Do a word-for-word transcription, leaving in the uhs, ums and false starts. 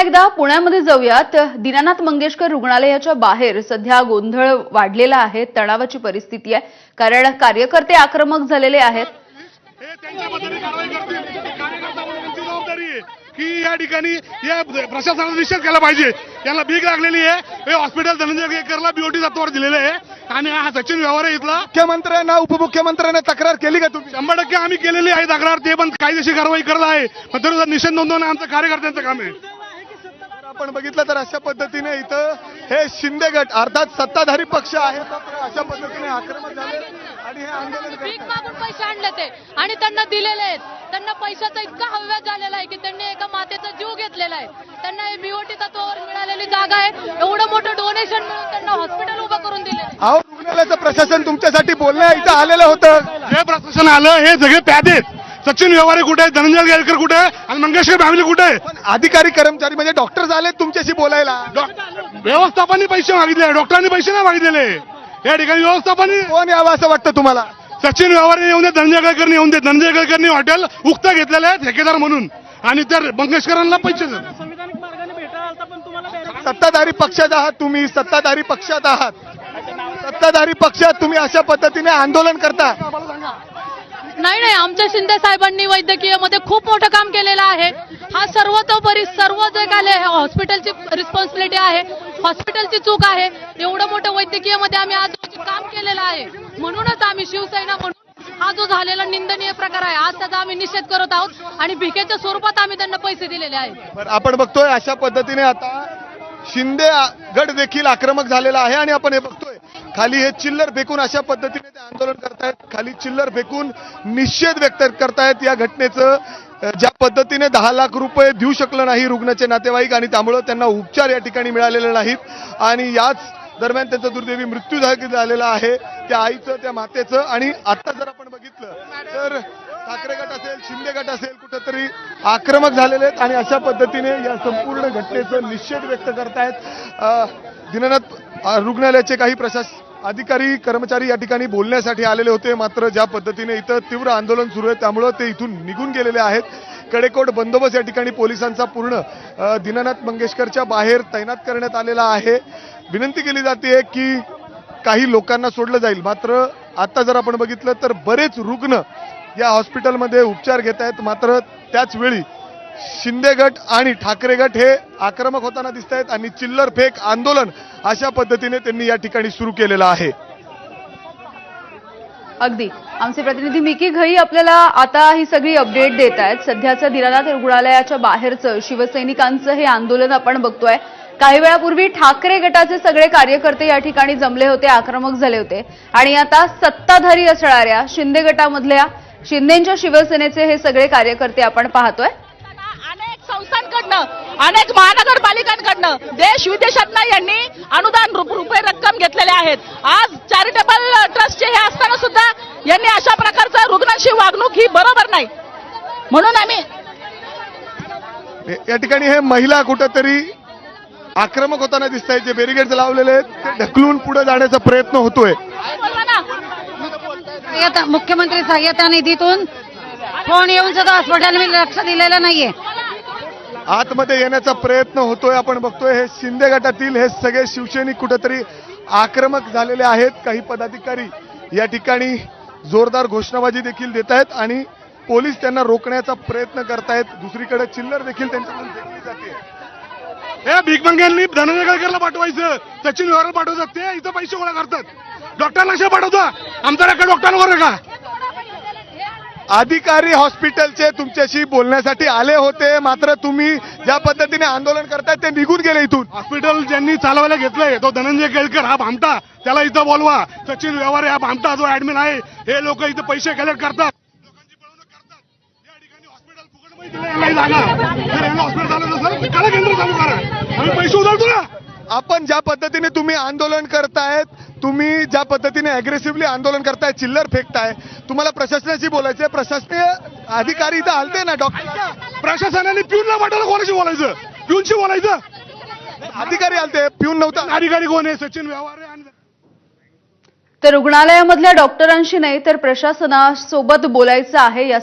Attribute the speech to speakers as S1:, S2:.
S1: एकदा पुण्यामध्ये जाऊयात। दीनानाथ मंगेशकर रुग्णालयाच्या बाहेर सध्या गोंधळ वाढलेला आहे, तणावाची परिस्थिती आहे, कारण कार्यकर्ते आक्रमक झालेले आहेत।
S2: हे त्यांच्या पद्धतीने कारवाई करतील, कार्यकर्ता म्हणून त्यांची जबाबदारी आहे की या ठिकाणी या प्रशासनाने निषेध केला पाहिजे। यांना भीक लागलेली आहे। हे हॉस्पिटल धनंजय केळकरला बीओटी तत्वावर दिलेले आहे आणि हा सचिन व्यवहार आहे इथला।
S3: मुख्यमंत्र्यांना उपमुख्यमंत्र्यांना तक्रार केली का तुम्ही?
S2: शंभर टक्के आम्ही केलेली आहे तक्रार, ते पण कायदेशीर कारवाई करत आहे, पण तरी निषेध नोंदवणं आमचं कार्यकर्त्यांचं काम आहे।
S3: आपण बघितलं तर अशा पद्धतीने इथं हे शिंदे गट अर्थात सत्ताधारी पक्ष आहे, तर अशा पद्धतीने आक्रमक झाले आणि हे आंदोलन
S4: भीक
S3: करतात।
S4: मागून पैसे आणले ते आणि त्यांना दिलेले आहेत। त्यांना पैशाचा इतका हव्यास झालेला आहे की त्यांनी एका मातेचा जीव घेतलेला आहे। त्यांना हे बीओटी तत्वावर मिळालेली जागा आहे, एवढं मोठं डोनेशन मिळून त्यांना हॉस्पिटल उभं करून दिले।
S3: अहो, रुग्णालयाचं प्रशासन तुमच्यासाठी बोलण्या इथं आलेलं होतं।
S2: जे प्रशासन आलं हे सगळे प्यादे आहेत। सचिन व्यवहारे कुठे आहे, धनंजय केळकर कुठे आहे आणि मंगेशकर फॅमिली कुठे आहे?
S3: पण अधिकारी कर्मचारी म्हणजे डॉक्टर आले तुमच्याशी बोलायला।
S2: व्यवस्थापनाने पैसे मागितले, डॉक्टरांनी पैसे नाही मागितलेले। या ठिकाणी व्यवस्थापनाने
S3: कोण यावं असं वाटतं तुम्हाला?
S2: सचिन व्यवहारे येऊन दे, धनंजय केळकरने येऊन दे। धनंजय केळकरने हॉटेल उक्त घेतलेलं आहे ठेकेदार म्हणून आणि तर मंगेशकरांना पैसे
S3: सत्ताधारी पक्षात आहात तुम्ही, सत्ताधारी पक्षात आहात, सत्ताधारी पक्षात तुम्ही अशा पद्धतीने आंदोलन करता।
S4: नाही नाही, आमच्या शिंदे साहेबांनी वैद्यकीय मध्ये खूप मोठं काम केलेलं आहे। हा सर्वतोपरी सर्व जे काय आहे हॉस्पिटलची रिस्पॉन्सिबिलिटी आहे, हॉस्पिटलची चूक आहे। एवढं मोठं वैद्यकीय मध्ये आम्ही आज काम केलेलं आहे, म्हणूनच आम्ही शिवसेना म्हणून हा जो झालेला निंदनीय प्रकार आहे आज त्याचा आम्ही निषेध करत आहोत आणि भिकेच्या स्वरूपात आम्ही त्यांना पैसे दिलेले आहेत।
S3: बरं, आपण बघतोय अशा पद्धतीने आता शिंदे गट देखील आक्रमक झालेला आहे आणि आपण हे बघतोय खाली हे चिल्लर फेकून अशा पद्धतीने ते आंदोलन करतायत, खाली चिल्लर फेकून निषेध व्यक्त करतायत या घटनेचं। ज्या पद्धतीने दहा लाख रुपये देऊ शकलं नाही रुग्णाचे नातेवाईक आणि त्यामुळे त्यांना उपचार या ठिकाणी मिळालेले नाहीत आणि याच दरम्यान त्यांचा दुर्दैवी मृत्यू झालेला आहे, त्या आईचं, त्या मातेचं। आणि आता जर आपण बघितलं तर ठाकरे गट असेल, शिंदे गट असेल, कुठेतरी आक्रमक झालेले आहेत आणि अशा पद्धतीने या संपूर्ण घटनेचं निषेध व्यक्त करतायत। दीनानाथ रुग्णालयाचे काही प्रशासन अधिकारी कर्मचारी या ठिकाणी बोलण्यासाठी आलेले होते, मात्र ज्या पद्धतीने इथं तीव्र आंदोलन सुरू आहे त्यामुळं ते इथून निघून गेलेले आहेत। कडेकोट बंदोबस्त या ठिकाणी पोलिसांचा पूर्ण दीनानाथ मंगेशकरच्या बाहेर तैनात करण्यात आलेला आहे। विनंती केली जाते की काही लोकांना सोडलं जाईल, मात्र आता जर आपण बघितलं तर बरेच रुग्ण या हॉस्पिटलमध्ये उपचार घेत आहेत, मात्र त्याच वेळी शिंदे गट आणि ठाकरे गट हे आक्रमक होताना दिसत आहेत आणि चिल्लर फेक आंदोलन अशा पद्धतीने त्यांनी या ठिकाणी सुरू केलेलं आहे।
S1: अगदी आमचे प्रतिनिधी मिकी घई आपल्याला आता ही सगळी अपडेट देत आहेत। सध्याचं दीनानाथ रुग्णालयाच्या बाहेरचं शिवसैनिकांचं हे आंदोलन आपण बघतोय। काही वेळापूर्वी ठाकरे गटाचे सगळे कार्यकर्ते या ठिकाणी जमले होते, आक्रमक झाले होते आणि आता सत्ताधारी असणाऱ्या शिंदे गटामधल्या शिंदेच्या शिवसेनेचे हे सगळे कार्यकर्ते आपण पाहतोय।
S5: अनेक संस्थांकडनं, अनेक महानगरपालिकांकडनं देश विदेशातनं यांनी अनुदान रुपये रक्कम घेतलेले आहेत। आज चॅरिटेबल ट्रस्टचे हे असताना सुद्धा यांनी अशा प्रकारचं रुग्णांशी वागणूक ही बरोबर नाही, म्हणून आम्ही
S3: या ठिकाणी हे महिला कुठेतरी आक्रमक होताना दिसत आहेत। जे बॅरिकेड्स लावलेले आहेत ते ढकलून पुढे जाण्याचा प्रयत्न होतोय।
S6: आता मुख्यमंत्री सहाय्यता निधीतून फोन येऊन सुद्धा हॉस्पिटलमध्ये लक्ष दिलेलं नाहीये।
S3: आतमध्ये येण्याचा प्रयत्न होतोय, आपण बघतोय हे शिंदे गटातील हे सगळे शिवसैनिक कुठेतरी आक्रमक झालेले आहेत। काही पदाधिकारी या ठिकाणी जोरदार घोषणाबाजी देखील देत आहेत आणि पोलीस त्यांना रोखण्याचा प्रयत्न करतायत। दुसरीकडे चिल्लर देखील त्यांच्याकडून फेकली जाते।
S2: हे भीक मंग्यांनी धनंजय केळकरला पाठवायचं, सचिन व्यवहारला पाठवायचं, ते इथं पैसे गोळा करतात। डॉक्टरला कशा पाठवता? आमचा रेकॉर्ड डॉक्टरांवर आहे का?
S3: अधिकारी हॉस्पिटलचे तुमच्याशी बोलण्यासाठी आले होते, मात्र तुम्ही ज्या पद्धतीने आंदोलन करताय ते निघून गेले इथून।
S2: हॉस्पिटल ज्यांनी चालवायला घेतलंय तो धनंजय केळकर हा भामटा, त्याला इथं बोलवा। सचिन व्यवहारे हा भामटा जो ऍडमिन आहे, हे लोक इथं पैसे कलेक्ट करतात, लोकांची पळवणूक करतात। या ठिकाणी हॉस्पिटल फुकटमध्ये दिलं यांना जागा। जर यांना हॉस्पिटल चालत असेल तर कला केंद्र चालू करा, आम्ही पैसे उधळतो ना।
S3: आपण ज्या पद्धतीने तुम्ही आंदोलन करतायत, तुम्ही ज्या पद्धतीने अग्रेसिव्हली आंदोलन करताय, चिल्लर फेकताय, तुम्हाला प्रशासनाशी बोलायचंय, प्रशासकीय अधिकारी इथं आलते ना डॉक्टर,
S2: प्रशासनाने पिऊनला पाठवलं, कोणाशी बोलायचं? पिऊनशी बोलायचं?
S3: अधिकारी आलते, पिऊन नव्हता।
S2: अधिकारी कोण आहे? सचिन व्यवहारे आणि
S1: तर रुग्णालयामधल्या डॉक्टरांशी नाही तर प्रशासनासोबत बोलायचं आहे।